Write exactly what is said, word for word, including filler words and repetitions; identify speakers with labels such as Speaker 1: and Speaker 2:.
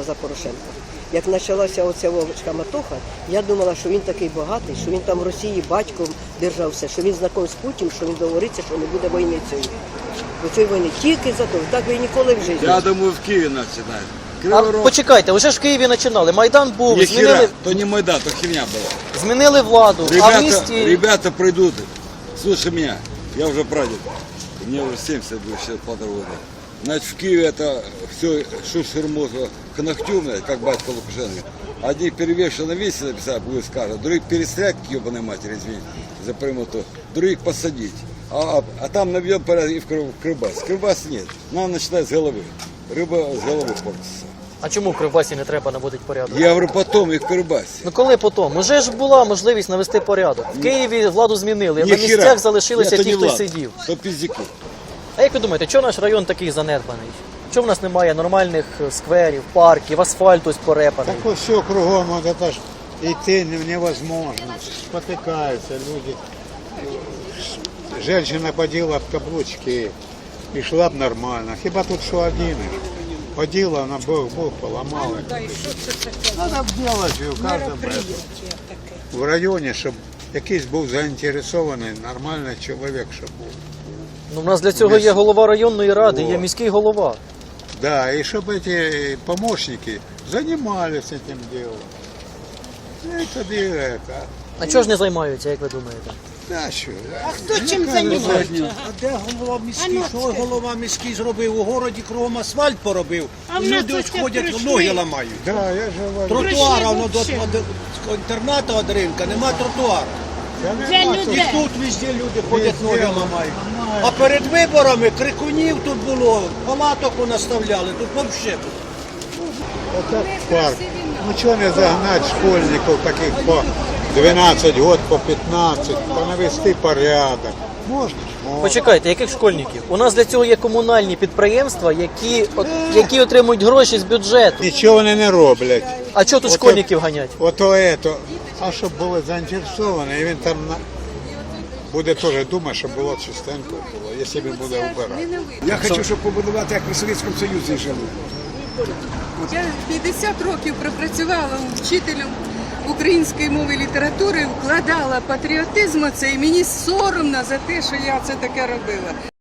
Speaker 1: голосувала за Порошенка. Як почалася оця шкаматоха, я думала, що він такий багатий, що він там в Росії батьком держався, що він знаком з Путіним, що він договориться, що не буде війни цієї. Бо цієї війни тільки за то, так би і ніколи в житті.
Speaker 2: Я думаю, в Києві починають.
Speaker 3: А почекайте, вже ж в Києві починали. Майдан був,
Speaker 2: Не
Speaker 3: змінили,
Speaker 2: хера, то не Майдан, то херня була.
Speaker 3: змінили владу, а в
Speaker 2: Ребята,
Speaker 3: місті...
Speaker 2: ребята придут. Слушай меня, я уже прадед. Мне уже семьдесят будет, сейчас полтора года. Значит, в Киеве это все шушерму к ногтю, блядь, как батька Лукашенко. Одни перевешенно весят, написать будет скажут, других перестрелять к ебаной матери, извини, за прямоту, других посадить. А, а, а там наведем порядок и в Крыбас. Крыбас нет, надо начинать с головы. Рыба с головы портится.
Speaker 3: А чому в Кривбасі не треба наводити порядок?
Speaker 2: Я говорю, потом и в Крыбасе.
Speaker 3: Ну коли потім? Уже ж була можливість навести порядок. В Києві владу змінили, а на
Speaker 2: Ніхіра.
Speaker 3: місцях залишилися
Speaker 2: Это
Speaker 3: ті,
Speaker 2: не
Speaker 3: хто
Speaker 2: влад,
Speaker 3: сидів.
Speaker 2: то пиздюки.
Speaker 3: А як ви думаєте, чому наш район такий занедбаний? Чому в нас немає нормальних скверів, парків, асфальт ось порепаний?
Speaker 4: Так все кругом, вот это ж идти невозможно, спотыкаются люди. Женщина подела в каблучки и шла б нормально. Хіба тут що один? Подела, она Бог, Бог поломала. Надо делать в каждом в районі, щоб якийсь був заінтересований, нормальний чоловік, щоб був.
Speaker 3: Ну, у нас для цього є голова районної ради, є міський голова.
Speaker 4: Да, и чтобы эти помощники занимались этим делом. Это дело, это.
Speaker 3: А чого ж не займаються, як ви думаєте?
Speaker 4: Да, що?
Speaker 5: А хто чим займається? А де голова міський? Що голова міський зробив? У городі кругом асфальт поробив.
Speaker 6: А в нас
Speaker 5: Люди ось
Speaker 6: ось
Speaker 5: ходять,
Speaker 6: прийшли.
Speaker 5: ноги ламають.
Speaker 4: Да, я же говорю.
Speaker 5: Тротуара, воно до
Speaker 6: Прийшли
Speaker 5: до інтернату від ринка, нема тротуару.
Speaker 4: Я
Speaker 6: Для
Speaker 4: нема
Speaker 5: І
Speaker 4: тут.
Speaker 6: людей.
Speaker 5: тут везде люди ходять,
Speaker 4: Везде
Speaker 5: ноги
Speaker 4: ламають.
Speaker 5: ламають. А перед виборами крикунів тут було, палаток наставляли, тут взагалі.
Speaker 4: Это парк. Ну что не загнать школьников таких по двенадцать год, по пятнадцать, понавести порядок. Можно? Можно.
Speaker 3: Почекайте, яких школьників? У нас для цього є комунальні підприємства, які, от, які отримують гроші з бюджету.
Speaker 4: Нічого вони не роблять.
Speaker 3: А чого тут
Speaker 4: Ото-
Speaker 3: школьників ганять?
Speaker 4: Ото ето. А щоб були заінтересовані, і він там на... буде теж думати, щоб було чистенько було, якщо він буде вбирати.
Speaker 7: Я хочу, щоб побудувати, як при Совєтському Союзі жили.
Speaker 8: Я п'ятдесят років пропрацювала вчителем української мови і літератури, вкладала патріотизм оце, і мені соромно за те, що я це таке робила.